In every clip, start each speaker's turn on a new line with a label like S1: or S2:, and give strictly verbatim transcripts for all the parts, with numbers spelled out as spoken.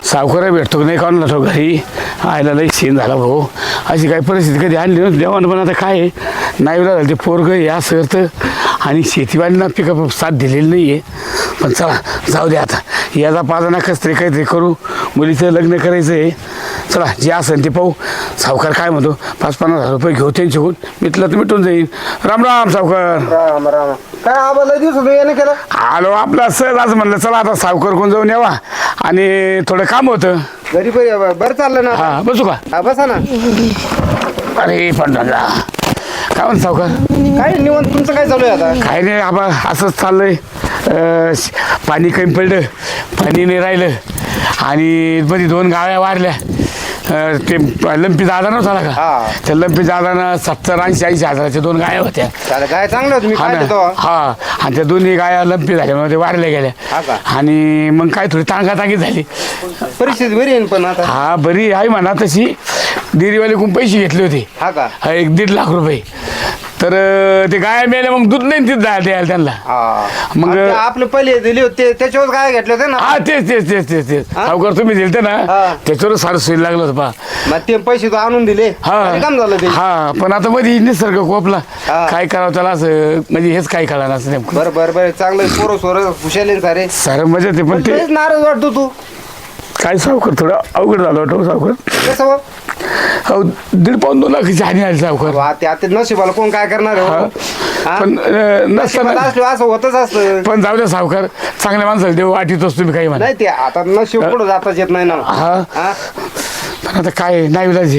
S1: सावकार भेटतो नाही काढून जातो घरी आयला लई सीन झाला भाऊ. अशी काही परिस्थिती कधी आणली नव्हती देवानं, पण आता काय आहे नाही झालं ते पोरग या सरतं आणि शेतीवालीना पिकअप साथ दिलेली नाही आहे. पण चला जाऊ दे आता, याचा पाजा कस तरी काहीतरी करू, मुलीचं लग्न करायचं आहे. चला जे असेल ते पाहू. सावकार काय म्हणतो, पाच पन्नास हजार रुपये घेऊ त्यांच्याकडून, मिटलं तर मिटून जाईल. राम राम सावकार.
S2: राम राम. काय आबाला दिवस होतो याने केलं?
S1: आलो आपला सहज असं म्हणलं चला आता सावकार कोण जाऊन यावा आणि थोडं काम होतं.
S2: घरी बरं बरं चाललं ना?
S1: हा बसू का?
S2: हा बसा ना.
S1: अरे पण काय म्हणत सावकार?
S2: काय निवांत, तुमचं काय चालू आहे आता?
S1: काय नाही आबा असंच चाललंय. अं, पाणी कमी पडलं, पाणी नाही राहिलं आणि मध्ये दोन गाव्या वारल्या. अं, ते लंपी दादा नव्हता का,
S2: हा.
S1: त्या लंपी दादानं सत्तर ऐंशी ऐंशी हजाराच्या दोन गाया होत्या.
S2: चालेल, काय चांगलं होतं, मी
S1: हा
S2: काय
S1: ना,
S2: देतो.
S1: हा आणि त्या दोन्ही गाया लंपी झाल्यामुळे ते वारल्या गेल्या.
S2: हा का?
S1: आणि मग काय थोडी तांगातांगी झाली.
S2: परिस्थिती बरी आहे ना पण आता?
S1: हा बरी आहे म्हणा तशी. डेअरीवाल्याकडून पैसे घेतले होते,
S2: हा का?
S1: हा, एक दीड लाख रुपये. तर अं, ते गाया मेल्या, मग दूध नाही तिथं द्या- द्यायला त्यांना.
S2: हा
S1: मग-
S2: मग आपले पहिले दिले होते त्याच्यावर काय घेतले होते ना?
S1: हा तेच तेच तेच तेच तेच
S2: हा?
S1: सावकार तुम्ही दिलते ना,
S2: हा.
S1: त्याच्यावर सारं सोयी लागलं होतं पा.
S2: मग ते पैसे तो आणून दिले, आणि काम झालं ते.
S1: हा पण आता मध्ये निसर्ग कोपला,
S2: हा.
S1: काय करावं त्याला असं म्हणजे हेच काय कळलं असं नेमकं.
S2: बरं बरं बरं, चांगलं पोरं सोरं हुशाले सारे.
S1: सारं मजा ते, पण ते
S2: लयच नाराज वाटतो तू.
S1: काय सावकार थोडं अवघड झालं वाटतं सावकार.
S2: कसं बा?
S1: अहो दीड पाऊन दोन लाखाची हानी आली सावकार.
S2: वा, ते आता नशिबाला कोण काय करणार आहे,
S1: हा.
S2: हो? हा?
S1: पण अं,
S2: नशिबात
S1: नसताना
S2: असलं असं होतच असतं.
S1: पण जाऊ द्या सावकार, चांगल्या माणसाला देव वाटीतोच तुम्ही काही म्हणा.
S2: नाही ते आता नशीब पुढे जाताच येत नाही ना.
S1: हा.
S2: हा?
S1: पण आता काय नाही विलाज आहे.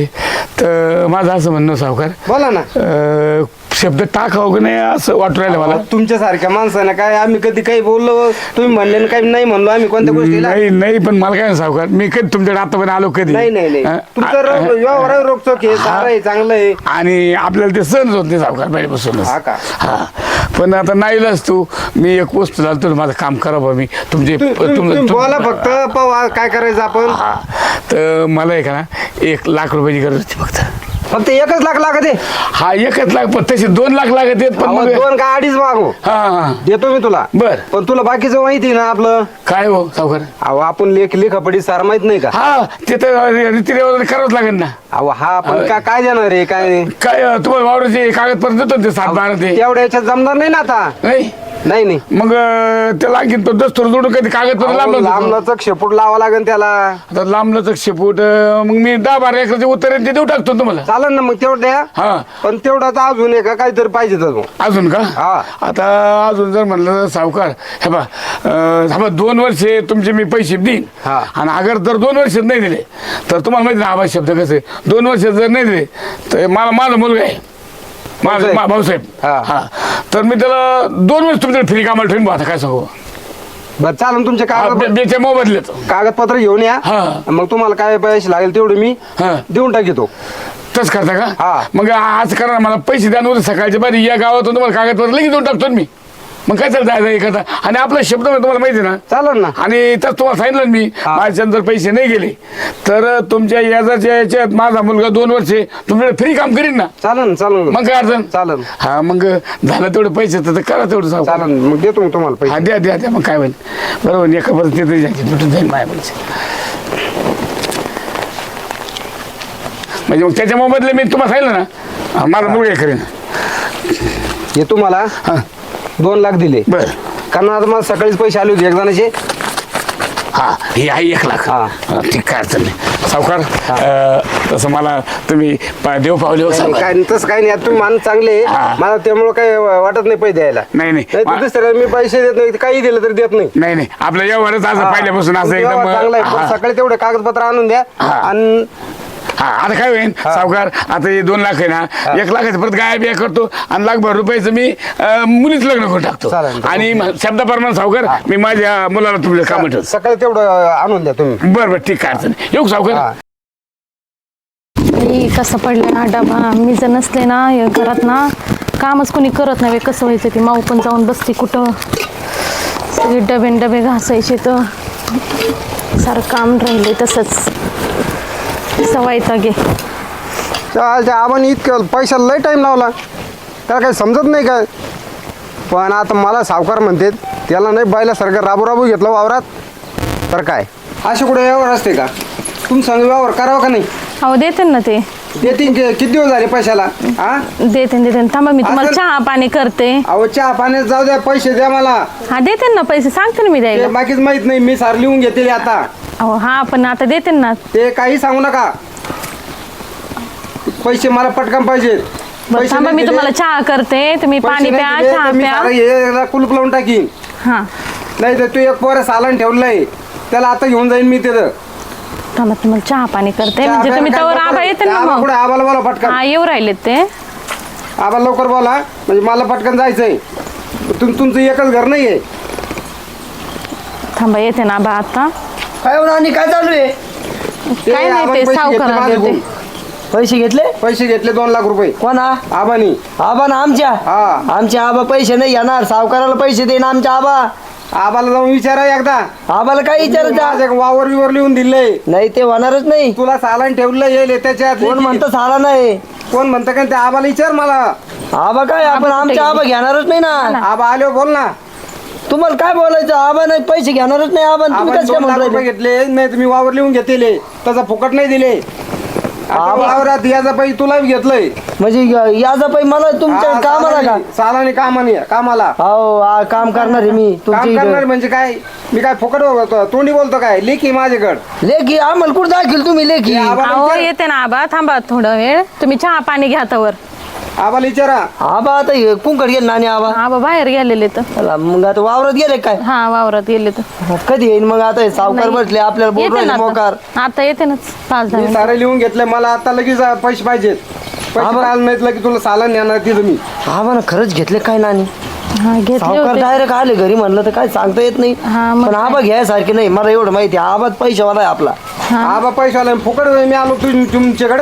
S1: तर माझं असं म्हणणं सावकार,
S2: बोला ना.
S1: अं, शब्द टाकावं की नाही असं वाटू राहिलं मला.
S2: तुमच्यासारख्या माणसानं काय आम्ही कधी काही बोललो, तुम्ही म्हणले ना काही नाही म्हणलो आम्ही कोणत्या गोष्टीला?
S1: नाही नाही पण मला काय नाही सावकार, मी कधी तुमच्याकडे आतापर्यंत आलो कधी
S2: नाही नाही नाही
S1: हं?
S2: तुमचं
S1: आ-
S2: रोग- व्यवहार रोखचोक आहे, सारं आहे, चांगलं आहे.
S1: आणि आपल्याला ते सहन होत नाही सावकार पहिल्यापासूनच.
S2: हा का?
S1: हा पण आता नाहीलाच तू, मी एक वस्तू झालं तर माझं काम करावं मी तुमचे
S2: तुम्ही- तुम्ही
S1: तुम-
S2: तुम्ही
S1: तुम-
S2: बोला फक्त, पाहू काय करायचं आपण.
S1: हा तर मला आहे का ना एक लाख रुपयाची गरज होती फक्त.
S2: फक्त एकच लाख लागत आहे.
S1: हा एकच लाख, पण तसे दोन लाख लागत आहेत पण
S2: अहो,
S1: मग
S2: दोन का अडीच मागू
S1: हा हा
S2: देतो मी तुला.
S1: बर
S2: पण तुला बाकीचं माहिती आहे ना आपलं.
S1: काय हो सावकार.
S2: अहो आपण लेख लेखापडी सार माहित नाही का?
S1: हा ते तर रीतिरिवाज करावंच लागेल ना.
S2: अहो हा आपण का काय देणार आहे काय नाही?
S1: काय अं, तुम्हाला वावराचे कागदपत्र देतो ना ते सात बारा ते
S2: तेवढ्या याच्यात जमणार नाही ना आता.
S1: नाही
S2: नाही नाही
S1: मग अं, त्याला आणखी तो दस्तूर जोडून कधी कागदपत्र
S2: अहो,
S1: लांबलं
S2: लांबलचक शेपूट लावा लागेल त्याला.
S1: आता लांबलं शेपूट अं, मग मी दहा बारा एकराचे उत्तर आहे ते देऊ टाकतो तुम्हाला.
S2: चालेल ना मग तेवढं द्या.
S1: हा
S2: पण तेवढाच अजून आहे का काहीतरी पाहिजे अजून.
S1: अजून का?
S2: हा.
S1: आता अजून जर म्हणलं तर सावकार हे बा अं, दोन वर्षे तुमचे मी पैसे देईन.
S2: हा.
S1: आणि अगर जर दोन वर्षात नाही दिले तर तुम्हाला माहिती ना आवाज शब्द कसे, दोन वर्षात जर नाही दिले तर मला माझा मुलगा आहे माझा
S2: भाऊसाहेब.
S1: मा- भाऊसाहेब
S2: हा.
S1: हा तर मी त्याला दोन वर्ष तुमच्याकडे फ्री कामाला ठेवून आता काय सांगू.
S2: बरं चालेल, तुमचे कागद
S1: बेच्या मोबदल्यात
S2: कागदपत्र घेऊन या.
S1: हा.
S2: मग तुम्हाला काय पैसे लागेल तेवढे मी
S1: हा.
S2: देऊन टाकीतो.
S1: तस करता
S2: हा.
S1: का? मग आज करा मला पैसे द्या, उद्या सकाळच्या बारी या गावातून तुम्हाला कागदपत्र लगेच देऊन टाकतो ना मी. मग काय चालतं जायचं एखादा, आणि आपला शब्द तुम्हाला माहिती आहे ना.
S2: चालेल ना.
S1: आणि तर तुम्हाला सांगितलं ना मी,
S2: हा.
S1: माझ्याच्यानं जर पैसे नाही गेले तर तुमच्या याच्याच्या याच्यात माझा मुलगा दोन वर्षे तुमच्याकडे फ्री काम करीन ना.
S2: चालेल चालेल
S1: मग काय अडचण.
S2: चालेल
S1: हा मग झालं तेवढे पैसे तर करा तेवढं सांग.
S2: चालेल मग देतो मी तुम्हाला
S1: हा
S2: पैसे.
S1: द्या द्या द्या मग काय होईल बरोबर. एका परत तिथे जायचे भेटून जाईल माझ्या पैसे. म्हणजे मग त्याच्या मोबदले मी तुम्हाला सांगितलं ना माझा मुलगा हे करेन.
S2: हे तुम्हाला
S1: हा
S2: दोन लाख दिले,
S1: बरं.
S2: कारण आता मला सकाळीच पैसे आले होते एक जणाचे.
S1: हा हे आहे एक लाख.
S2: हा.
S1: हा, ठीक काय अडचण नाही सावकार. अं, तसं मला तुम्ही पा- देव पावले हो
S2: नाही,
S1: सावकार.
S2: काय तसं काही नाही, आता तुम्ही माणूस चांगले आहे.
S1: हा.
S2: मला त्यामुळे काही वाटत नाही पैसे द्यायला.
S1: नाही नाही
S2: नाही तर
S1: मा-
S2: दुसऱ्याला मी पैसे देत नाही, काही दिलं तरी देत नाही.
S1: नाही नाही आपलं व्यवहारच असं
S2: हा.
S1: पहिल्यापासून असं
S2: तुमचा
S1: एकदम
S2: व्यवहार चांगला आहे, पण
S1: हा.
S2: सकाळी तेवढे कागदपत्र आणून द्या.
S1: हा.
S2: आणि
S1: हा आता काय होईल सावकार, आता हे दोन लाख आहे ना, एक लाखाचं परत गाय बिया करतो आणि लाखभर रुपयाचं मी अं, मुलीच लग्न करून टाकतो.
S2: चालेल.
S1: आणि म- शब्दाप्रमाणे सावकार मी माझ्या मुलाला तुमच्या काम ठेवतो.
S2: सकाळी तेवढं आणून द्या तुम्ही.
S1: बरं बरं ठीक काय अडचण नाही. येऊ का सावकार.
S2: हा.
S3: बाई, कसं पडलं ना डबा. मी जर नसले ना या घरात ना कामच कोणी करत नाही. कसं व्हायचं ती माऊ पण जाऊन बसते कुठं, सगळे डबे न डबे घासायचे तर सारं काम राहिले तसंच सवायता गे.
S2: त्या आपण इतकं पैशाला लय टाईम लावला, त्याला काही समजत नाही काय. पण आता मला सावकार म्हणते त्याला नाही बायला सारखं राबू राबू घेतलं वावरात तर काय असे कुठे व्यवहार असते का? तुम्ही सांग व्यवहार करावा का नाही?
S3: अहो देते ना ते
S2: देतीन की- किती दिवस झाले पैशाला? हा
S3: देते देते थांबा मी तुम्हाला
S2: असं-
S3: चहा पाणी करते.
S2: अहो चहा पाण्यात जाऊ द्या, पैसे द्या मला.
S3: हा देते ना पैसे, सांगते ना मी
S2: ते
S3: द्यायला.
S2: बाकीच माहित नाही, मी सार लिहून घेतले आता.
S3: अहो हा पण आता देते ना.
S2: ते काही सांगू नका, पैसे मला पटकन पाहिजेत.
S3: बरं
S2: पैसे
S3: थांबा
S2: नाही
S3: मी
S2: दिले-
S3: तुम्हाला चहा करते, तुम्ही
S2: पैसे
S3: पाणी
S2: नाही
S3: प्या,
S2: दिले
S3: चहा
S2: तर मी
S3: प्या.
S2: सारं हे कुलूप लावून टाकीन.
S3: हा
S2: नाही तर तू एक पोरं सालन ठेवलंय, त्याला आता घेऊन जाईन मी तिथं.
S3: थांबा तुम्हाला चहा पाणी करते,
S2: चहा
S3: म्हणजे तुम्ही
S2: प्यायला
S3: तवर
S2: काय
S3: आबा
S2: लवकर-
S3: येते ना
S2: आबा
S3: मग.
S2: कुठे? आबाला बोला पटकन.
S3: हा येऊ राहिलेत ते.
S2: आबा लवकर बोला, म्हणजे मला पटकन जायचंय. तुम तुमचं एकच घर नाहीये.
S3: थांबा येते ना आबा आता.
S4: काय होणार आणि काय चालू आहे?
S2: ते
S3: काय नाही,
S2: आबाने
S3: ते
S2: पैसे घेतले
S3: सावकाराला
S2: माझ्याकडून.
S3: देते.
S4: पैसे घेतले
S2: पैसे घेतले दोन लाख रुपये
S4: कोणा?
S2: आबानी.
S4: आबा ना आमच्या
S2: हा.
S4: आमच्या आबा पैसे नाही घेणार, सावकाराला पैसे देईन आमच्या आबा.
S2: आबाला जाऊन विचारा एकदा.
S4: आबाला काय विचारायचं?
S2: माझ्या वावर बिवर लिहून दिलंय,
S4: नाही ते होणारच नाही.
S2: तुला सालन ठेवलं येईल त्याच्यात.
S4: कोण म्हणतं साला नाही?
S2: कोण म्हणतं का? ते आबाला विचार मला.
S4: आबा काय आपण आमच्या आबा घेणारच नाही ना.
S2: आबा आलो बोल ना.
S4: तुम्हाला काय बोलायचं? आबा नाही पैसे घेणारच नाही आबा. तुम्ही
S2: आबाने
S4: कसं काय
S2: दोन लाख
S4: म्हणून
S2: रुपये
S4: राहिले?
S2: घेतले, नाही तुम्ही वावर लिहून घेतले, त्याचा फुकट नाही दिले. आता
S4: आबा-
S2: वावरात याचा पैसे तुला बी घेतलंय.
S4: म्हणजे याचा पैसे मला तुमच्या
S2: हा,
S4: कामाला का?
S2: सालानी सालानी कामानी कामाला
S4: हो आ, काम करणार आहे मी
S2: काम
S4: तुमच्या
S2: करणार
S4: इथं.
S2: म्हणजे काय? मी काय फुकट बोलतो? तोंडी बोलतो काय? लेखी माझ्याकडं.
S4: लेखी आम्हाला कुठं दाखल तुम्ही लेखी?
S2: हे आबा-
S3: अहो येते ना आबा, थांबा थोडा वेळ, तुम्ही चहा पाणी घ्या तवर.
S2: आबाला विचारा.
S4: आबा आता हे कुंकड गेले नानी आबा.
S3: आबा बाहेर गेलेले तर.
S4: चला, मग आता वावरात गेले काय?
S3: हा वावरात गेले तर.
S4: कधी येईन मग? आता हे सावकार
S3: नाही.
S4: बसले आपल्याला बोल
S3: येते
S4: राहिले
S3: ना
S4: मोकार.
S3: आता. आता येते ना पाच दहा
S2: मी
S3: मिनिटं.
S2: सारे लिहून घेतले, मला आता लगेच पैसे पाहिजेत. पैसे
S4: आबा-
S2: काल नाहीत की तुला सालन येणार तिथं मी.
S4: आबा ना खरंच घेतले काय नानी?
S3: हा घेतले
S4: सावकार
S3: होते.
S4: डायरेक्ट आले घरी म्हणलं तर काय सांगता येत नाही.
S3: हा, मग
S4: पण
S3: काय?
S4: आबा घ्यायसारखे नाही, मला एवढं माहिती आहे. आबाच पैशावाला आहे आपला.
S2: आबा पैसे आले फुकट मी आलो तु तुमच्याकडे.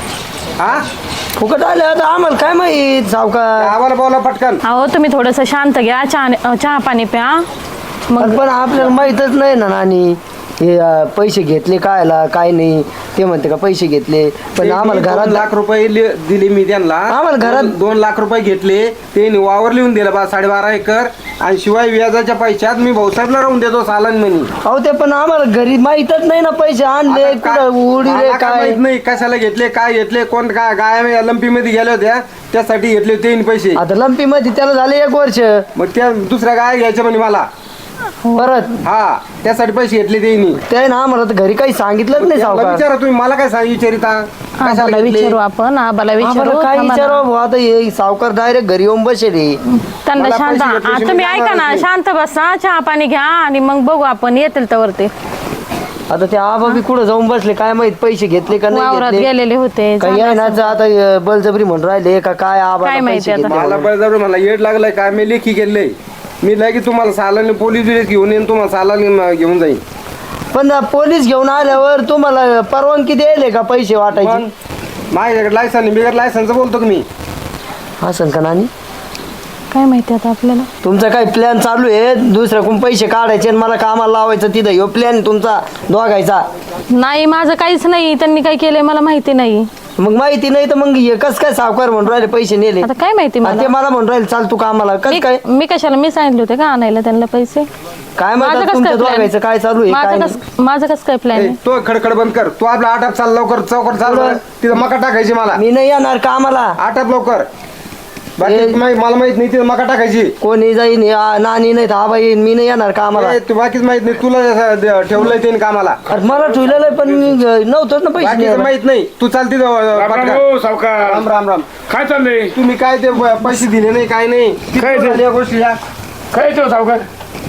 S2: हा
S4: फुकट आले आता आम्हाला काय माहित सावकार.
S2: आबाला बोला पटकन.
S3: अहो तुम्ही थोडस शांत घ्या, चहा चहा पाणी प्या मग.
S4: पण आपल्याला माहितच नाही ना नानी हे अं, पैसे घेतले कायला काय नाही. ते म्हणते का पैसे घेतले, पण
S2: ते
S4: आम्हाला
S2: मी दोन
S4: घरात
S2: लाख रुपये लि- दिले मी त्यांना.
S4: आम्हाला घरात-
S2: दोन- दोन लाख रुपये घेतले, ते वावर लिहून दिलं बा साडेबारा एकर. आणि शिवाय व्याजाच्या पैशात मी भाऊसाहेबला राहून देतो सालन म्हणी.
S4: अहो ते पण आम्हाला घरी माहितच नाही ना पैसे आणले
S2: आता काय-
S4: कुठं उडीले
S2: मला काय
S4: काय.
S2: माहित नाही कशाला घेतले, काय घेतले, कोण काय गाय लंपी मध्ये गेल्या होत्या त्यासाठी घेतले होते पैसे.
S4: आता लंपी मध्ये त्याला झाले एक वर्ष
S2: मग त्या दुसऱ्या गाय घ्यायच्या म्हणे मला.
S4: परत
S2: हा त्यासाठी पैसे घेतले त्यांनी.
S4: ते ना आम्हाला तर घरी काही सांगितलंच नाही
S2: त्याला
S4: सावकार.
S2: विचारा तुम्ही, मला काय सांग विचारिता
S3: आबाला
S2: कशाला घेतले?
S3: विचारू आपण, आबाला विचारू.
S4: आम्हाला काय
S3: थांबा ना.
S4: विचारावं भाऊ, आता हे सावकार डायरेक्ट घरी येऊन बसले.
S3: त्यांना
S2: मला
S3: शांत
S2: पैसे घेतल्याशिवाय
S3: आ, तुम्ही
S2: मी
S3: ऐका ना,
S2: जाणारच नाही.
S3: शांत बसा, चहा पाणी घ्या आणि मग बघू आपण येतील तवर ते.
S4: आता ते आबा बी कुठं जाऊन बसले काय माहित, पैसे घेतले का नाही
S3: वावरात
S4: घेतले.
S3: गेलेले होते.
S4: काही आहे ना आता अं, बळजबरी म्हणून राहिले का काय आबा
S3: काय माहिती
S4: पैसे
S3: आता.
S4: घेतले
S2: मला
S4: म्हणून.
S2: बळजबरी मला येड लागलंय काय, मी लेखी गेलंय. मी लगेच तुम्हाला सालाने पोलीस बिलीस घेऊन येईन, तुम्हाला सालाने घेऊन जाईन.
S4: पण पोलीस घेऊन आल्यावर तुम्हाला परवानगी द्यायले का पैसे
S2: पण
S4: वाटायची?
S2: माझ्याकडे लायसन बिगर लायसनचं बोलतो की मी.
S4: असं का नानी?
S3: काय माहिती आता आपल्याला.
S4: तुमचा काय प्लॅन चालू आहे दुसऱ्याकडून पैसे काढायचे आणि मला कामाला लावायचं तिथं, ह्यो प्लॅन तुमचा दोघायचा?
S3: नाही माझं काहीच नाही, त्यांनी काय केलंय मला माहिती नाही.
S4: मग माहिती नाही तर मग हे कस काय सावकार म्हणून राहिले पैसे नेले?
S3: आता काय माहिती
S4: आणि ते
S3: मला.
S4: मला म्हणून राहिले चाल तू कामाला कस
S3: मी
S4: काय?
S3: मी कशाला, मी सांगितले होते का आणायला त्यांना पैसे.
S4: काय
S3: माझं
S4: म्हणतात
S3: कसं
S4: तुमच्या
S3: काय
S4: दोघायचं काय चालू आहे
S3: प्लॅन,
S4: काय
S3: माझं
S4: नाही?
S3: कस माझं कसं काय प्लॅन
S2: ए,
S3: आहे.
S2: तो खडखड बंद कर. तू आपला आटाप चाल लवकर, चौकट चाल बरं. तिथं मका टाकायची मला.
S4: मी नाही येणार कामाला.
S2: आटाप लवकर. बाकी
S4: ए-
S2: माहित- मला माहित नाही तिथं मका टाकायची.
S4: कोणी जाईन या नानी नाही तर आबा येईन, मी नाही येणार कामाला.
S2: ए, तू बाकीच माहित नाही, तुला असं द- ठेवलंय त्याने कामाला.
S4: अरे मला ठेवलेलं आहे पण मी नव्हतोच ना पैसे
S2: बाकीचं
S4: द्यायला.
S2: माहित नाही. तू चाल तिथं
S1: राम राम
S2: पटकन.
S1: हो, सावकार.
S2: राम राम राम.
S1: काय चाललंय?
S2: तुम्ही काय ते प- पैसे दिले नाही काय नाही
S1: काय ते?
S2: या गोष्टी या.
S1: काय येतो सावकार?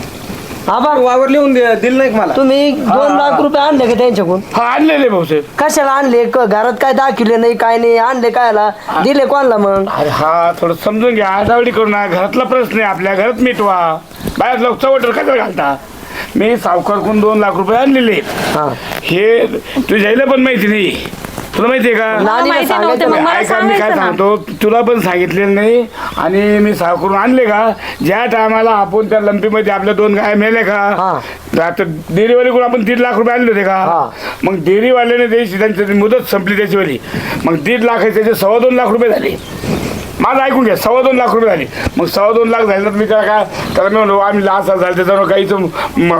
S4: आबा
S2: वावर लिहून दे- दिलं नाही का मला?
S4: तुम्ही दोन लाख रुपये आणले का त्यांच्याकडून?
S1: हा आणलेले भाऊसाहेब.
S4: कशाला आणले? क- घरात काय दाखवले नाही काय नाही, आणले कायला? दिले कोणाला मग?
S1: अरे हा थोडं समजून घ्या, आडावडी करू नका. घरातला प्रश्न आहे, आपल्या घरात मिटवा. बाहेर लोक चवटर कशाला घालता? मी सावकारकडून दोन लाख रुपये आणलेले.
S4: हा
S1: हे तुझ्याला पण माहिती नाही, तुला माहितीये का?
S4: नानीला
S3: माहिती नव्हते,
S4: सांगायचं
S3: मग
S4: ना.
S3: मला
S1: ऐका मी काय
S3: सांगायचं ना.
S1: सांगतो, तुला पण सांगितलेलं नाही. आणि मी सावकारून आणले का, ज्या टायमाला आपण त्या लंपीमध्ये आपल्या दोन गाय मेले का,
S4: हा.
S1: आता डेअरीवालीकडून आपण दीड लाख रुपये आणले होते
S4: हा.
S1: का, मग डेअरीवाल्याने द्यायची त्यांची मुदत संपली त्याचीवाली, मग दीड लाख आहे त्याचे सव्वा दोन लाख रुपये झाले. माझं ऐकून घ्या, सव्वा दोन लाख रुपये झाले. मग सव्वा दोन लाख झाले तर मी त्याला काय त्याला मी म्हणलो आम्ही लाच झालं त्याच्यावर गाईचं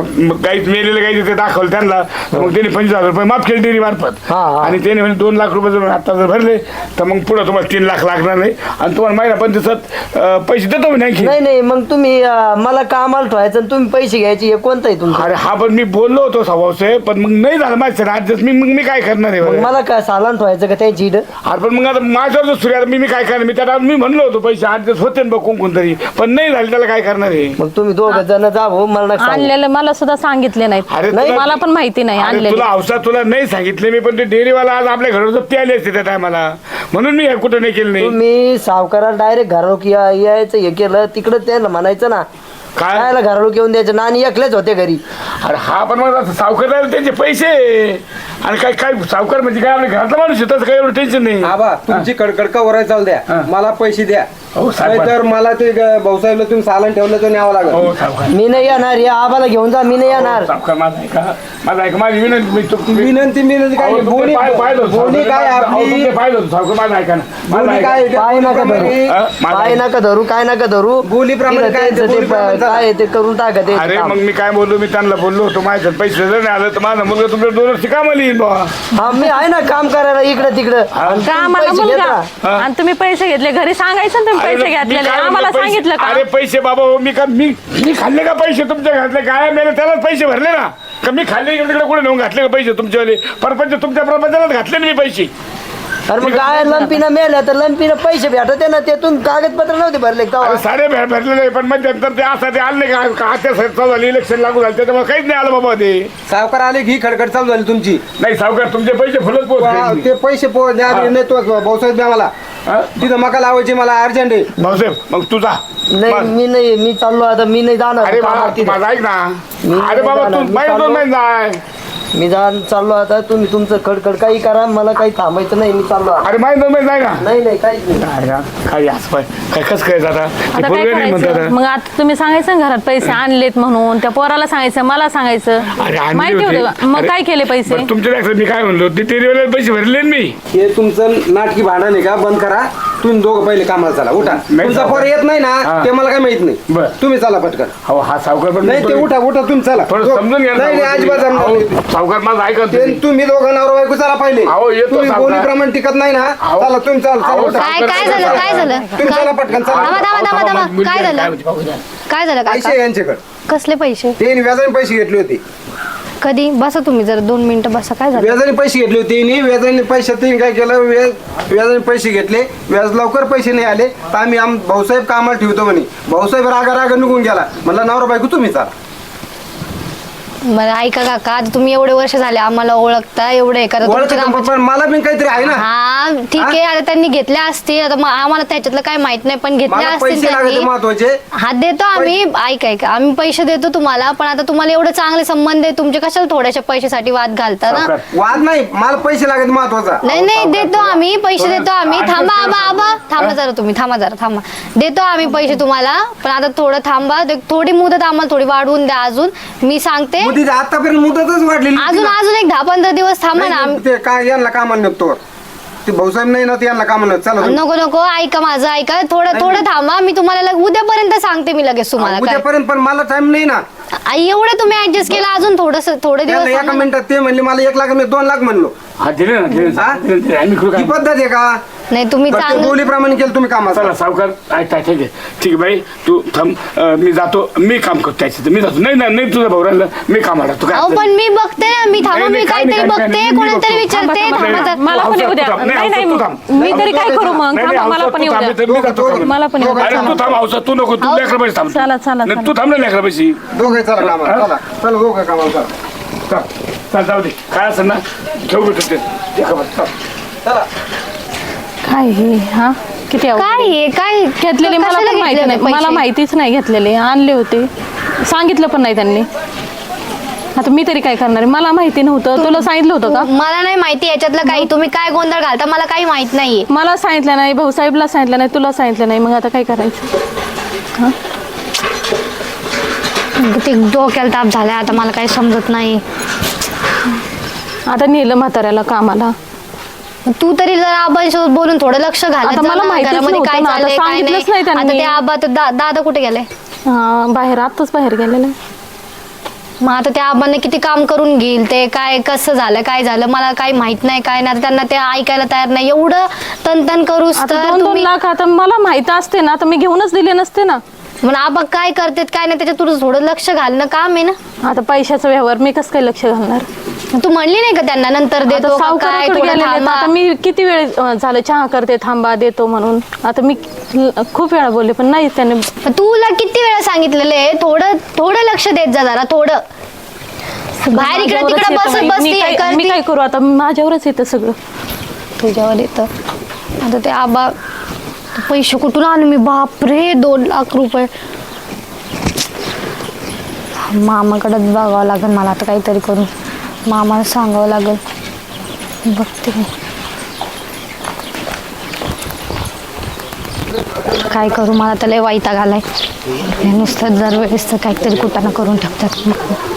S1: गाईच मेलेलं गाई ते दाखवलं त्यांना. तर मग त्यांनी पंचवीस हजार रुपये माफ केले डेअरी मार्फत.
S4: हा, हा.
S1: आणि त्याने म्हणजे दोन लाख रुपये जर आता जर भरले तर मग पुढं तुम्हाला तीन लाख लागणार नाही आणि तुम्हाला महिना पंचवीसात पैसे देतो मी आणखी.
S4: नाही नाही मग तुम्ही अं, मला कामाला ठेवायचं आणि तुम्ही पैसे घ्यायचे हे कोणतं आहे तुमचं?
S1: अरे हा पण मी बोललो होतो स्वभावसे, पण मग नाही झालं माझं ऍडजस्ट. मी मग मी काय करणार आहे
S4: मग
S1: बरं?
S4: मला काय सालान ठेवायचं का त्याची इड?
S1: अरे पण मग आता माझ्यावर सूर्या मी मी काय करणार? मी त्याला मी म्हणलो होतो पैसे ऍडजस्ट होते ना बघ कोण कोणतरी, पण नाही झाले त्याला काय करणार आहे?
S4: मग तुम्ही दोघं जण जा भाऊ, मला नका सांगू.
S3: आणलेलं मला सुद्धा सांगितले नाहीत.
S1: अरे
S3: नाही,
S1: तुला-
S3: मला पण माहिती नाही
S1: अरे
S3: आणलेले.
S1: तुला औषध तुला नाही सांगितले मी, पण ते डेअरीवाला आज आपल्या घरावर जप्ती आली असते त्या टायमाला, म्हणून मी हे कुठं नाही केलं नाही.
S4: तुम्ही सावकाराला डायरेक्ट घरारोक या- यायचं हे केलं तिकडं त्याला म्हणायचं ना
S1: काय
S4: कायला घरारोक येऊन द्यायचं ना, आणि एकलेच होते घरी.
S1: अरे हा पण मग आता सावकार त्यांचे पैसे आणि काय काय सावकार म्हणजे काय आपल्या घरातला माणूस आहे, तसं काही एवढं टेन्शन नाही.
S2: आबा तुमची कडकड का वराय चालू द्या,
S1: हा.
S2: मला पैसे द्या.
S1: हो, साहेब.
S2: तर मला ते ग- भाऊसाहेबला तुम्ही सालन ठेवलं तर न्यावं लागेल.
S1: हो सावकार,
S4: मी नाही येणार, या आबाला घेऊन जा, मी नाही येणार.
S1: सावकार माझा ऐका माझा ऐका माझी विनंती मी तुम- मी-
S2: विनंती विनंती काय
S1: अहो, तुमचे
S2: बोनी
S1: पाय पाहिलं होतं,
S2: बोनी
S1: सावकार.
S2: काय
S1: अहो,
S2: आपली
S1: तुमचे पाहिलं होतं, सावकार माझं ऐका ना माझं
S2: बोली
S1: ऐका.
S2: काय
S4: पाय नका धरू.
S1: हा? माझं
S4: पाय
S1: ऐका.
S4: नका धरू, काय नका धरू.
S2: बोलीप्रमाणे
S4: तिथं
S2: काय ते
S4: त्यांचं ते
S2: बोलीप्रमाणे
S4: प- काय आहे ते करून टाका ते
S1: अरे
S4: काम.
S1: मग मी काय बोललो, मी त्यांना बोललो होतो माझ्यात पैसे जर नाही आलं तर माझा मुलगा तुमच्या दोन वर्षी कामाला येईल बा.
S4: हा मी आहे ना काम करायला इकडं तिकडं. आणि तुम्ही
S3: आम्हाला
S4: पैसे
S3: मुलगा
S4: घेता.
S1: हा.
S3: आणि तुम्ही पैसे घेतले घरी सांगायचं ना तुम्ही
S1: अरे
S3: पैसे
S1: मी
S3: घेतलेले
S1: काय
S3: आम्हाला
S1: म्हणलो, पैसे-
S3: सांगितलं का?
S1: अरे पैसे बाबा हो, मी का मी मी खाल्ले का पैसे तुमच्या घातले काय मेले त्यालाच पैसे भरले ना का मी खाल्ले इकडे तिकडे कुठे नेऊन घातले का पैसे तुमच्यावाले परपंच तुमच्या प्रपंचालाच घातले ना मी पैसे.
S4: अरे मग काय लंपीनं मेल्या तर लंपीनं पैसे भेटते ना, तेथून कागदपत्र नव्हते भरले का तेव्हा?
S1: अरे सारे भे- भरले नाही पण मग नंतर ते असं ते आले का का आता चालू झाली इलेक्शन लागू झालं त्याच्यामुळे काहीच नाही आलं बाबा ते.
S2: सावकार आले की ही खडखड चालू झाली तुमची.
S1: नाही सावकार तुमचे पैसे फुलत
S2: वा,
S1: पोहोचले.
S2: ते पैसे पो- द्या
S1: हा.
S2: नाही तो भाऊसाहेब द्या मला.
S1: हा?
S2: तिथं मका लावायची मला अर्जंट आहे.
S1: भाऊसाहेब मग तुझा
S4: नाही मी नाही मी चाललो आता, मी नाही जाणार
S1: अरे बाबा
S4: कामात तिथं.
S1: माझा ऐक ना
S4: मी
S1: अरे बाबा
S4: जाणार,
S1: तू
S4: मी
S1: महिना दोन
S4: चाललो.
S1: महिने जाय.
S4: मी जाण चाललो आता, तुम्ही तुमचं खडखड काही करा, मला काही थांबायचं नाही, मी चाललो आता.
S1: अरे महिना दोन महिने जाय ना.
S4: नाही नाही काहीच नाही.
S1: काय या? काय असं पाय काय कसं काय जाता
S3: आता
S1: ते
S3: काय
S1: पोरगं नाही
S3: करायचं
S1: म्हणतात.
S3: मग आता तुम्ही सांगायचं ना घरात पैसे आणलेत म्हणून त्या पोराला सांगायचं मला सांगायचं
S1: अरे आणले
S3: माहिती
S1: होते.
S3: होतं का? मग
S1: अरे,
S3: काय केले पैसे
S1: बरं, तुमच्या लक्षात मी काय म्हणलो ते टेरीवाले पैसे भरले ना मी.
S2: हे तुमचं नाटकी भांडण आहे का बंद करा. तुम्ही दोघं पहिले कामाला चला उठा.
S1: नाही
S2: तुमचा सावकार. पोर येत नाही ना
S1: हा.
S2: ते मला काय माहित नाही.
S1: बरं.
S2: तुम्ही चला पटकन.
S1: हो हा सावकार पण
S2: नाही ते उठा उठा तुम्ही चला.
S1: थोडं समजून घ्या ना
S2: नाही नाही, अजिबात जमणार
S1: अहो,
S2: नाही.
S1: सावकार माझं ऐका
S2: ते
S1: तुम्ही.
S2: तुम्ही दोघं नवरा बायको चला पहिले.
S1: अहो, येतो
S2: तुम्ही
S1: सावकार.
S2: बोलीप्रमाणे टिकत नाही ना.
S1: अहो.
S2: चला तुम्ही चला चला
S1: अहो,
S2: उठा.
S5: काय काय झालं काय झालं
S2: तुम्ही चला पटकन चला.
S5: थांबा थांबा थांबा थांबा
S1: मुलगी
S5: काय
S1: आहे,
S5: झालं
S1: होती, पाहू द्या.
S5: काय झालं
S2: पैसे
S5: काका
S2: यांच्याकडे
S5: कसले पैसे
S2: ते व्याजाने पैसे घेतले होते.
S5: कधी बसा तुम्ही जरा दोन मिनिटं बसा काय झालं
S2: व्याजाने पैसे घेतले होते त्यांनी. व्याजाने पैसे त्यांनी काय केलं व्याज व्याजाने पैसे घेतले. व्याज लवकर पैसे नाही आले तर आम्ही आम भाऊसाहेब कामाला ठेवतो म्हणे. भाऊसाहेब रागा रागा निघून गेला. म्हणला नवरा बायको तुम्ही चला.
S5: मला ऐका काका आता तुम्ही एवढे वर्ष झाले आम्हाला ओळखता एवढे हे करता तुमच्या
S2: ओळखतं
S5: कामाचे-
S2: पण मला पण काहीतरी आहे ना.
S5: हा ठीक आहे आता त्यांनी घेतल्या असतील आता मग आम्हाला त्याच्यातलं काही माहित नाही पण घेतल्या
S2: मला
S5: असतील
S2: पैसे लागते
S5: त्यांनी
S2: महत्वाचे.
S5: हा देतो आम्ही ऐका ऐका आम्ही पैसे देतो तुम्हाला पण आता तुम्हाला एवढं चांगले संबंध आहे तुमचे कशाला थोड्याशा पैशासाठी वाद घालता ना
S1: सावकार.
S2: वाद नाही मला पैसे लागत महत्वाचा.
S5: नाही नाही देतो आम्ही पैसे देतो आम्ही
S1: आठ
S5: थांबा
S1: पैसे
S5: आबा आबा थांबा जरा तुम्ही थांबा जरा थांबा देतो आम्ही पैसे तुम्हाला पण आता थोडं थांबा ते- थोडी मुदत आम्हाला थोडी वाढवून द्या अजून मी सांगते
S2: मुदत आतापर्यंत मुदतच वाढलेली
S5: अजून अजून एक दहा पंधरा दिवस थांबा ना
S2: नाही,
S5: आम्ही-
S2: ते काय यांना कामाला निघतो ते भाऊसाहेब नाही ना ते यांना कामाला निघतो. चला तुम्ही.
S5: नको नको ऐका माझं ऐका थोडं थोडं थांबा मी तुम्हाला लग- उद्यापर्यंत सांगते मी लगेच तुम्हाला काय
S2: उद्यापर्यंत पण मला टाइम नाही ना.
S5: आ, एवढं तुम्ही ऍडजस्ट केलं अजून थोडस थोडे दिवस
S2: यांना एका
S5: थांबा ना.
S2: मिनिटात ते म्हणले मला एक लाख मी दोन लाख म्हणलो.
S1: हा दिले ना दिले ना.
S2: हा?
S1: दिले, दिले. आम्ही करू
S2: ही
S1: काय
S2: पद्धत आहे का?
S5: नाही तुम्ही
S2: प्रत्येक
S5: चांगलं
S2: बोलीप्रमाणे केलं तुम्ही कामाचं.
S1: चला सावकार ऐका ठीक आहे ठीक आहे बाई तू थांब अं, मी जातो मी काम करतो त्याच्यात मी जातो नाही नाही नाही तुझं भाऊ राहिलं मी काम आला तू काय
S5: अहो पण मी बघते ना मी थांबा
S1: नाही,
S5: मी
S1: नाही, काय
S5: काहीतरी
S1: नाही, काय
S5: बघते
S1: नाही, मी
S5: कोणाला तरी
S1: बघतो.
S5: विचारते
S1: थांबा,
S5: थांबा
S1: थांबा,
S5: जरा.
S3: मला पण येऊ द्या
S1: तू थांब, नाही,
S3: नाही नाही
S1: तू थांब.
S3: मी तरी काय करू मग
S1: नाही,
S3: थांबा
S1: नाही,
S3: मला
S1: औषध
S3: पण
S1: तू
S3: येऊ
S1: थांब,
S3: द्या
S1: इथं मी जातो कामाला.
S3: मला पण येऊ द्या
S1: अरे
S3: चला.
S1: तू थांब औषध तू नको तू
S3: अहो,
S1: लेकरा पैसे थांब
S3: चला, चला,
S1: नाही,
S3: चला.
S1: तू थांब ना लेकरा पैसे
S2: दोघे चला कामाला चला चला दोघं कामाला चला.
S1: चल चल जाऊ दे काय असेल ना घेऊ भेटत ते लेकरं पैसे, चल.
S2: चला
S3: काय हे हा किती अवघड
S5: काय
S3: आहे.
S5: हे काय
S3: घेतलेले मला
S5: कशाला
S3: पण माहिती
S5: घेतले
S3: नाही
S5: पैसे?
S3: मला माहितीच नाही घेतलेले आणले होते सांगितलं पण नाही त्यांनी आता मी तरी काय करणार आहे मला माहिती नव्हतं तुला सांगितलं होतं का
S5: मला नाही माहिती याच्यातलं काही तुम्ही काय गोंधळ घालता मला काही माहित नाहीये
S3: मला सांगितलं नाही भाऊसाहेबला सांगितलं नाही तुला सांगितलं नाही मग आता काय करायचं
S5: ते डोक्याला ताप झालाय आता मला काही समजत नाही
S3: आता नेलं म्हाताऱ्याला कामाला
S5: मग तू तरी जरा आबांसोबत बोलून थोडं लक्ष घालत
S3: आता
S5: जा
S3: मला
S5: ना,
S3: माहितीच
S5: घरामध्ये काय
S3: नव्हतं ना, आता
S5: चाललंय काय नाही.
S3: सांगितलंच नाही त्यांनी.
S5: आता ते आबा तर दा- दादा कुठे गेले?
S3: हा, बाहेर आत्ताच बाहेर गेलेलं.
S5: मग आता त्या आबांना किती काम करून घेईल ते, काय कसं झालं काय झालं मला काही माहित नाही काय नाही. आता त्यांना ते ऐकायला तयार नाही. एवढं तनतन करूस
S3: आता
S5: तर
S3: दोन दोन
S5: तुम्ही
S3: लाख आता मला माहित असते ना तर मी घेऊनच दिले नसते ना.
S5: मग आबा काय करतात काय नाही त्याच्यात तुझं थोडं लक्ष घालणं काम आहे ना.
S3: आता पैशाचा व्यवहार मी कसं काय लक्ष घालणार?
S5: तू म्हणली नाही का त्यांना नंतर
S3: आता
S5: देतो का काय
S3: सावकाराकडे
S5: थोडं
S3: गेलेले आहेत.
S5: थांबा.
S3: आता मी किती वेळ अं, झालं चहा करते थांबा देतो म्हणून. आता मी ल- खूप वेळा बोलले पण नाही त्याने.
S5: पण तुला किती वेळा सांगितलेलं आहे थोडं थोडं लक्ष देत जा जरा थोडं. बाहेर इकडे
S3: माझ्यावरच
S5: तिकडे
S3: येतं
S5: बसत
S3: बाई.
S5: बसती
S3: मी
S5: हे
S3: काय- मी
S5: करती.
S3: काय करू आता? माझ्यावरच येतं सगळं.
S5: तुझ्यावर येतं आता ते आबा पैसे कुठून आणू मी? बापरे दोन लाख रुपये मामाकडे बघावं लागेल मला आता काहीतरी करून. मामाला सांगावं लागेल. बघते मी काय करू. मला तर लय वैताग आलाय. हे नुसतं दर वेळेस तर काहीतरी कुटाणा करून ठेवतात.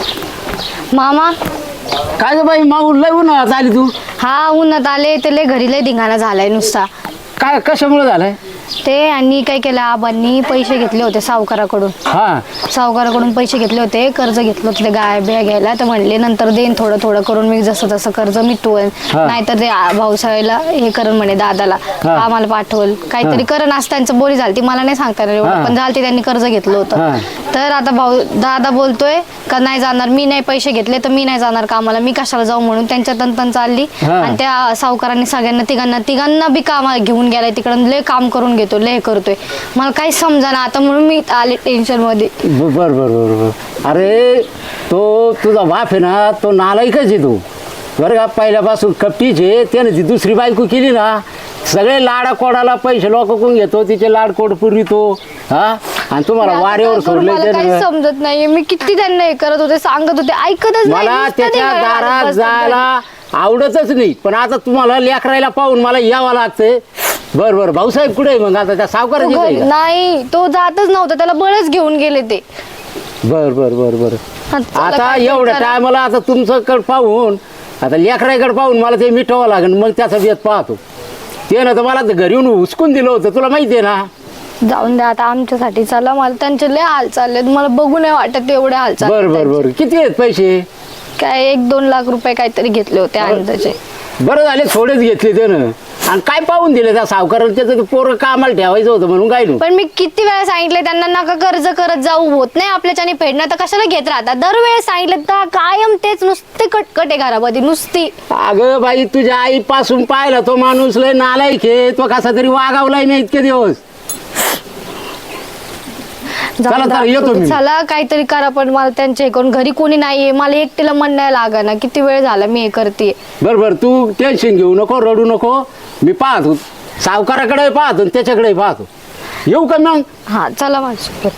S5: मामा
S1: काय ग बाई मागून लय उन्हाळ्यात आली तू?
S5: हा उन्हात आले ते लय घरी लय धिंगाणा झालाय नुसता.
S1: काय कशामुळे झालंय?
S5: ते आणि काय केलं आबांनी पैसे घेतले होते सावकाराकडून.
S1: हा
S5: सावकाराकडून पैसे घेतले होते कर्ज घेतलं होतं ते गाय बिया घ्यायला. तर म्हणले नंतर देईन थोडं थोडं करून मी जसं तसं कर्ज मिटवेल.
S1: हा.
S5: नाहीतर ते आ- भाऊसाहेबला हे करण म्हणे दादाला
S1: हा.
S5: आम्हाला पाठवल काहीतरी करण असं त्यांचं बोली झाली मला नाही सांगता येणार
S1: हा.
S5: एवढं पण झालती त्यांनी कर्ज घेतलं
S1: हा.
S5: होतं. तर आता भाऊ दादा बोलतोय का नाही जाणार मी नाही पैसे घेतले तर मी नाही जाणार कामाला मी कशाला जाऊ म्हणून त्यांच्या तंतन चालली.
S1: हा.
S5: आणि त्या सावकारांनी सगळ्यांना तिघांना तिघांना बी कामाला घेऊन गेलाय तिकडं लय काम करून घेतो लय करतोय. मला काही समजा ना आता म्हणून मी आले टेन्शन मध्ये.
S6: बर बर बर बर अरे तो तुझा बाप आहे ना तो नालायकच आहे तू बरं का. पहिल्यापासून कपटीच आहे त्याने ती दुसरी बायको केली ना सगळे लाडा कोडाला पैसे लोकून घेतो तिचे लाड कोड पुरवितो हा. आणि तुम्हाला
S5: आता
S6: वाऱ्यावर
S5: काय करू,
S6: सोडले
S5: मला काही
S6: त्याने.
S5: समजत नाहीये मी किती त्यांना हे करत होते सांगत होते ऐकतच नाही.
S6: मला
S5: नुसतं
S6: त्याच्या
S5: धिंगाणा घालत
S6: दारात
S5: बसतात
S6: जायला आवडतच नाही पण आता तुम्हाला लेकरायला पाहून मला यावं लागतंय. बर बर भाऊसाहेब कुठे आहे मग आता त्या
S5: तो
S6: सावकाराची
S5: घरी-
S6: आहे का?
S5: नाही तो जातच नव्हता त्याला बळच घेऊन गेले ते.
S6: बर बर बर बर
S5: चला
S6: आता
S5: काय
S6: एवढ्या
S5: करा.
S6: टायमाला आता तुमचं कड पाहून आता लेकराकडे पाहून मला ते मिटवावं लागेल मग त्याचा बेत पाहतो. ते ना तर मला तर घरी येऊन हुसकून दिलं होतं तुला माहिती आहे ना.
S5: जाऊन द्या आता आमच्यासाठी चला मला त्यांचे लय हाल चाललेत मला बघू नाही वाटत एवढे हाल
S6: बर
S5: चालले
S6: बर बर किती आहेत पैसे?
S5: काय एक दोन लाख रुपये काहीतरी घेतले होते अंदाजे.
S6: बरं झाले थोडेच घेतले त्यानं आणि काय पाहून दिले त्या सावकाराला त्याचं पोरं कामाला ठेवायचं होतं म्हणून काय
S5: पण मी किती वेळा सांगितलं त्यांना नका कर्ज करत जाऊ होत नाही आपल्याच्याने फेडणं तर कशाला घेत राहतात दरवेळेस सांगितलं तर कायम तेच नुसते कटकट आहे घरामध्ये नुसती.
S6: अगं बाई तुझ्या आईपासून पाहिला तो माणूस लय नालायक आहे तो कसा तरी वागावलाय नाही इतके दिवस.
S5: जाऊ
S6: चला,
S5: द्या.
S6: चला, येतो मी.
S5: चला काहीतरी करा पण मला त्यांचे हे करून घरी कोणी नाहीये मला एकटीला मन नाही लागा ना किती वेळ झाला मी हे करते.
S6: बर बर तू टेन्शन घेऊ नको रडू नको मी पाहतो सावकाराकडे पाहतो आणि त्याच्याकडे पाहतो. येऊ का मग?
S5: हा चला माझ्यासोबत.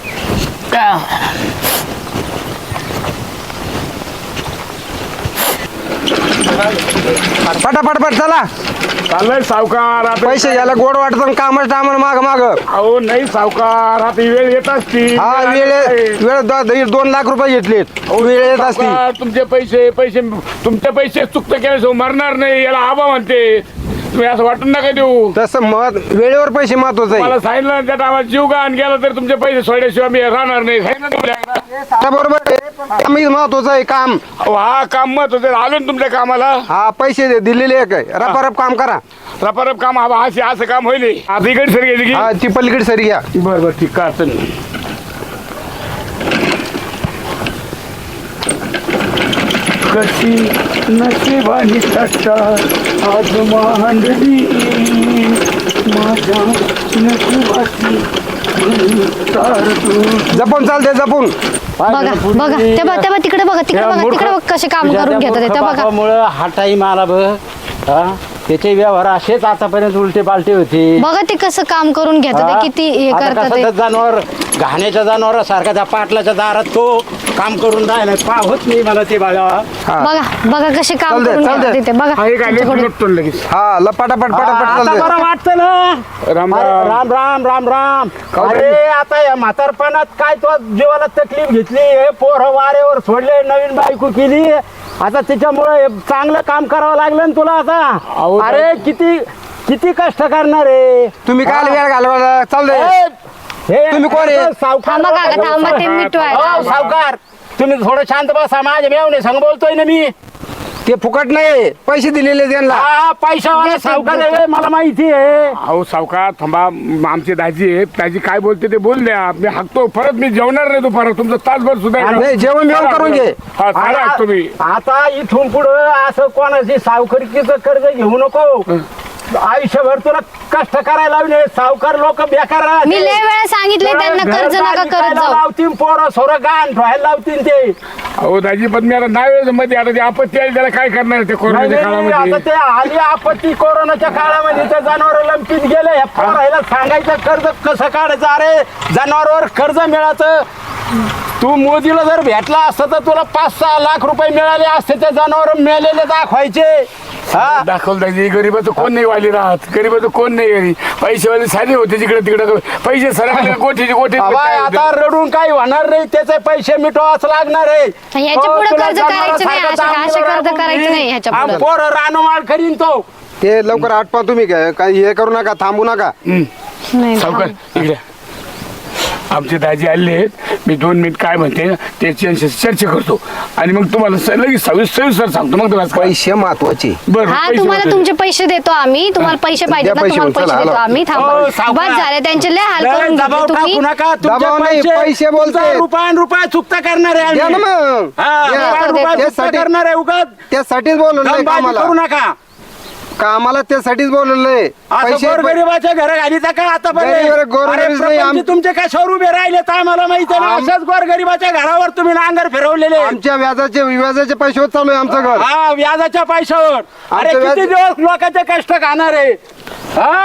S2: पटापट पट चला
S1: चाललंय सावकार आता
S2: पैसे घ्यायला गोड वाटत कामच टायमाला माग माग.
S1: अहो नाही सावकार आता ही वेळ येत असती.
S2: हा वेळ वेळ दो- दीड दोन लाख रुपये घेतलेत वेळ येत असती.
S1: सावकार, तुमचे पैसे पैसे तुमचे पैसे चुकतं केल्याशिवाय मरणार नाही याला आबा म्हणते. तुम्ही असं वाटून नका देऊ.
S2: तसं मत वेळेवर पैसे महत्वाचं आहे.
S1: मला सांगितलं ना त्या टायमात जीव गाण गेला तर तुमचे पैसे सोडल्याशिवाय मी राहणार नाही सांगितलं ना तुम्हाला.
S2: त्या बरोबर आहे. आम्ही महत्वाचं आहे काम.
S1: अहो, हा काम मत होते आलो ना तुमच्या कामाला
S2: हा पैसे दे- दिलेले आहे काय रपारप काम करा.
S1: रपारप काम हा असे असं काम होईल आता इकडे सर घ्यायची की
S2: हा ती पलीकडे सरी घ्या.
S1: बरं बरं ठीक काय अडचण नाही. कशी नशिबानी सट्टा आज मांडली माझ्या नशिबाची तार तू.
S2: जपून चालते जपून.
S5: बघा बघा ते बघा ते बघा तिकडे बघा तिकडे बघा तिकडे बघा कसे काम करून घेतात ते बघा.
S6: मुळे हा टाईम आला बघ हा त्याचे व्यवहार असेच आतापर्यंत उलटे पालटे होते.
S5: बघा ते कसं काम करून घेतात
S6: हा?
S5: ते किती हे
S6: आता
S5: करतात
S6: कसं
S5: ते.
S6: त्या जनावर घाण्याच्या जनावरासारखा त्या पाटलाच्या दारात तो काम करून राहिला पाहत नाही मला ते बघा.
S2: हा
S5: बघा बघा कसे काम
S2: चालतंय,
S5: करून
S2: चालतंय.
S5: घेतात ते बघा
S1: हा, एक आले
S5: तुमच्याकडे.
S1: लुटतो लगेच.
S2: हा ल पटापट पटापट
S6: आता
S2: चालते.
S6: बरं वाटतं ना.
S1: राम
S6: अरे,
S1: राम.
S6: राम राम राम राम
S1: काय
S6: अरे आता या म्हातारपणात काय तो जीवाला तकलीफ घेतली हे पोरं वारेवर सोडले नवीन बायको केली आता त्याच्यामुळे चांगलं काम करावं लागलं ना तुला
S1: अहो,
S6: आता अरे किती किती कष्ट करणार आहे
S2: तुम्ही काय वेळ घालवा चाललंय
S6: हे
S2: तुम्ही कोण आहे?
S6: सावकार
S5: थांबा काका, थांबा, ते मिटवायला.
S6: हो, सावकार तुम्ही थोडं शांत बसा माझ्या मेवणे संग बोलतोय ना मी
S2: ते फुकट नाही पैसे दिलेले त्यांना
S6: हा पैशावाला सावकार आहे मला माहिती आहे
S1: अहो सावकार थांबा म- आमचे दाजी आहेत दाजी काय बोलते ते बोल द्या मी हाकतो परत मी जेवणार नाही दुपार तुमचं तासभर सुद्धा
S2: नाही, जेवण बिवण करून घे.
S1: हा सांगा
S6: आता-
S1: तुम्ही
S6: आता इथून पुढं असं कोणाची सावकारीचं कर्ज घेऊ नको आयुष्यभर तुला कष्ट करायला लावले सावकार लोक बेकार राहते.
S5: मी लय वेळा सांगितले त्यांना
S6: तुला
S5: कर्ज
S6: घर
S5: नका
S6: बांधायला
S5: करत जाऊ.
S6: लावतील पोरं सोरं गाण ठेवायला लावतील ते
S1: अहो दाजी पण मी आता नाही मध्ये आता ते आपत्ती आली त्याला काय करणार ते
S6: नाही,
S1: कोरोनाच्या
S6: नाही, आता
S1: काळामध्ये
S6: ते आली आपत्ती कोरोनाच्या काळामध्ये त्या जनावर लंपीत गेले ह्या पोरायला सांगायचं कर्ज कसं काढायचं अरे जनावरवर कर्ज मिळाचं तू मोदीला जर भेटला असतं तर तुला पाच सहा लाख रुपये मिळाले असते त्या जनावर मिळालेले दाखवायचे हा
S1: दाखवलं दाजी गरीबाचं कोण नाही वाली राहत गरीबाचं कोण नाही घरी पैसेवाले साधे होते तिकडे तिकडे पैसे सरकले कोठीचे कोठी
S6: बाबा, आता रडून काही होणार नाही त्याचे पैसे मिटवाच लागणार आहे
S5: ह्याच्या
S6: हो,
S5: पुढं
S6: तुला
S5: कर्ज करायचं नाही,
S6: जनावरासारखं
S5: अशा- अशा
S6: दामोदर
S5: कर्ज
S6: राबून
S5: करायचं
S6: देईन.
S5: नाही ह्याच्या
S6: आम
S5: पुढं.
S6: पोरं रानोमाळ करीन तो
S2: ते लवकर आटपा तुम्ही काय काही हे करू नका थांबू नका
S5: नाही,
S1: सावकार
S5: थांब.
S1: इकडे आमचे दाजी आले आहेत मी दोन मिनिट काय म्हणते ना त्याची चर्चा करतो आणि मग तुम्हाला स- लगेच सविस्तर सविस्तर सांगतो मग तुम्हाला
S2: पैसे महत्वाचे
S1: बरं
S5: हा
S1: पैसे
S5: तुम्हाला
S1: वाटले.
S5: तुमचे पैसे देतो आम्ही तुम्हाला पैसे पाहिजेत ना
S2: द्या पैसे
S5: तुम्हाला
S2: चला,
S5: पैसे देतो
S2: आलो.
S5: आम्ही
S6: हो,
S5: थांबा
S6: सावकार.
S5: बस झाले त्यांचे लय हाल
S6: लय
S5: करून
S6: दबाव
S5: घेतले तुम्ही
S6: टाकू नका तुमचे
S2: दबाव नाही, पैसे बोलतायत.
S6: रुपया रुपया चुकता करणार आहे
S2: द्या ना
S6: आम्ही.
S2: मग
S6: हा,
S2: द्या.
S6: रुपया रुपया चुकता
S2: त्यासाठी
S6: करणार आहे उगाच
S2: त्यासाठीच बोलवलंय
S6: दमबाजी
S2: कामाला
S6: करू नका
S2: कामाला त्यासाठीच बोलवलंय
S6: असं
S2: पैसे
S6: गोरगरिबाच्या घरा घाली का आता
S2: गरीब- गोरगरीब नाही, आम-
S6: तुमचे कशावर उभे राहिले तर आम्हाला माहिती आहे ना
S2: आम-
S6: अशाच गोरगरिबाच्या घरावर तुम्ही नांगर फिरवलेले
S2: आमच्या व्याजाचे व्याजाचे पैसे चालू आहे आमचं घर
S6: हा व्याजाच्या पैशावर अरे
S2: आमचं व्याज-
S6: किती दिवस लोकांचे कष्ट खाणार आहे हा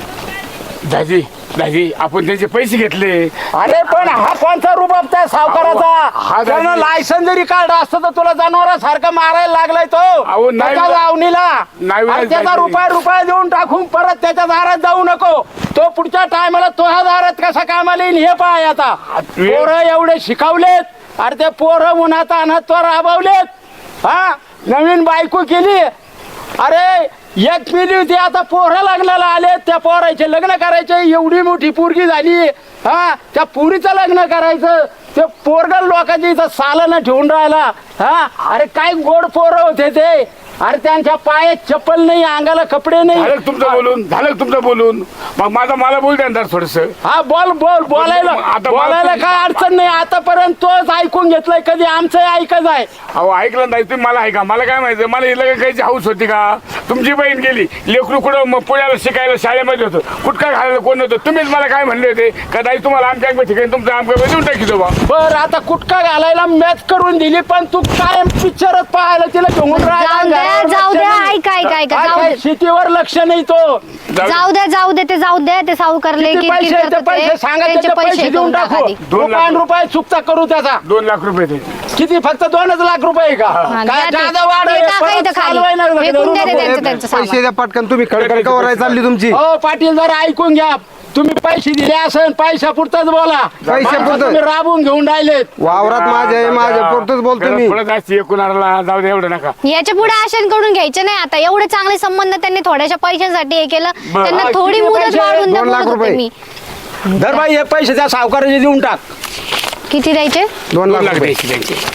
S1: दाजी दाजी आपण त्याचे पैसे घेतले
S6: अरे पण हा कोणता रुबाब त्या
S1: अहो,
S6: सावकाराचा
S1: हा
S6: त्यानं
S1: दाजी-
S6: लायसन जरी काढलं असतं तर तुला जनावरासारखं मारायला लागलाय तो
S1: अहो, नाही
S6: त्याच्या
S1: वे-
S6: लावणीला
S1: नाही वे-
S6: आणि त्याचा
S1: दाजी.
S6: रुपया रुपया देऊन टाकून परत त्याच्या दारात जाऊ नको तो पुढच्या टायमाला तो ह्या दारात कसा कामाला येईल हे पाय आता
S1: वे-
S6: पोरं एवढे शिकवलेत अरे ते पोरं उन्हात आणत तो राबवलेत हा नवीन बायको केली अरे एक पिढी होती आता पोरं लग्नाला आले त्या पोराचे लग्न करायचे एवढी मोठी पोरगी झाली हा त्या पुरीचं लग्न करायचं ते पोरगल लोकांच्या इथं सालानं ठेवून राहिला हा अरे काय गोड पोरं होते ते अरे त्यांच्या पायात चप्पल नाही अंगाला कपडे नाही
S1: झालं का तुमचं बोलून झालं का तुमचं बोलून मग माझा मला बोल द्या थोडस
S6: हा बोल बोल बोलायला
S1: आता मला
S6: बोलायला
S1: तुम्ही-
S6: काय अडचण नाही आतापर्यंत तोच ऐकून घेतलंय कधी आमचं ऐकत आहे
S1: अहो ऐकलं नाही तुम्ही मला ऐका मला काय माहिती मला लग्न करायची हाऊस होती का तुमची बहीण गेली लेकरू कुठं मग पुण्याला शिकायला शाळेमध्ये होतं कुठका घालायला कोण होतं तुम्हीच मला काय म्हणले होते का ताई तुम्हाला आमच्या आमच्या ठिकाणी तुमचं आमच्या देऊन टाकी बा
S6: बर आता कुटका घालायला मॅच करून दिली पण तू कायम पिक्चरच पाहायला तिला घेऊन
S5: जाऊ द्या,
S6: राहिला
S5: जाऊ द्या, ऐका, ऐका, ऐका,
S6: काय-
S5: जाऊ
S6: काय
S5: द्या.
S6: शेतीवर लक्ष नाही तो
S5: जाऊ द्या जाऊ दे ते जाऊ द्या ते सावकारले
S6: किती पैसे आहेत ते पैसे सांगा त्याचे पैसे देऊन टाकू
S1: दोन लाख
S6: रुपया रुपये चुकता करू त्याचा
S1: दोन लाख रुपये ते
S6: किती फक्त दोनच लाख रुपये आहे का
S5: हा, द्या
S6: काय
S5: ते.
S6: जादा वाढ
S5: ते
S6: आहे,
S5: टाका
S6: परत
S5: इथं खाली.
S6: चालवायला लागलं,
S5: फेकून
S6: धरू
S5: द्या ते
S6: नको.
S5: त्यांचं त्यांचं सामान.
S2: पैसे द्या पटकन तुम्ही खडखड कवराय चालली तुमची
S6: हो पाटील जरा ऐकून घ्या तुम्ही पैसे दिले असेल पैसा पुरताच बोला
S2: पैसे
S6: माणसं
S2: पुरतं.
S6: तुम्ही राबून घेऊन राहिलेत
S2: वावरात माझ्या आहे माझ्या पुरतच बोलतो मी
S1: पुढे जास्त एकूणाला जाऊ दे एवढं नका
S5: याच्या पुढे आशांकडून घ्यायचे नाही आता एवढे चांगले संबंध त्यांनी थोड्याशा पैशांसाठी हे केलं
S1: बरं.
S5: त्यांना
S6: हा,
S5: थोडी
S6: किती
S5: मुदत
S6: पैसे?
S5: वाढवून द्या
S2: दोन लाख
S5: बोलत होते
S2: रुपये.
S5: मी
S6: धर बाई हे पैसे त्या सावकाराचे देऊन टाक
S5: किती द्यायचे
S2: दोन
S1: दोन
S2: लाख
S1: लाख
S2: रुपये
S1: द्यायचे द्यायचे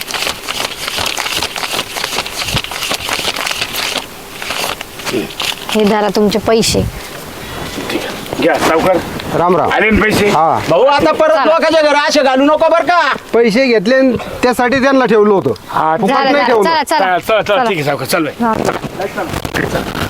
S5: हे धरा तुमचे पैसे
S1: घ्या सावकार
S2: राम राम
S1: आले ना पैसे
S2: हा
S6: भाऊ आता परत लोकांच्या घर असे घालू नको बर का
S2: पैसे घेतले आणि त्यासाठी त्यांना ठेवलं होतं
S1: हा
S2: फुकट
S5: झालं
S2: नाही
S5: झालं
S2: ठेवलं
S5: चला
S1: चला
S5: चला
S1: चला चला ठीक आहे सावकार चल बाई.
S5: हा.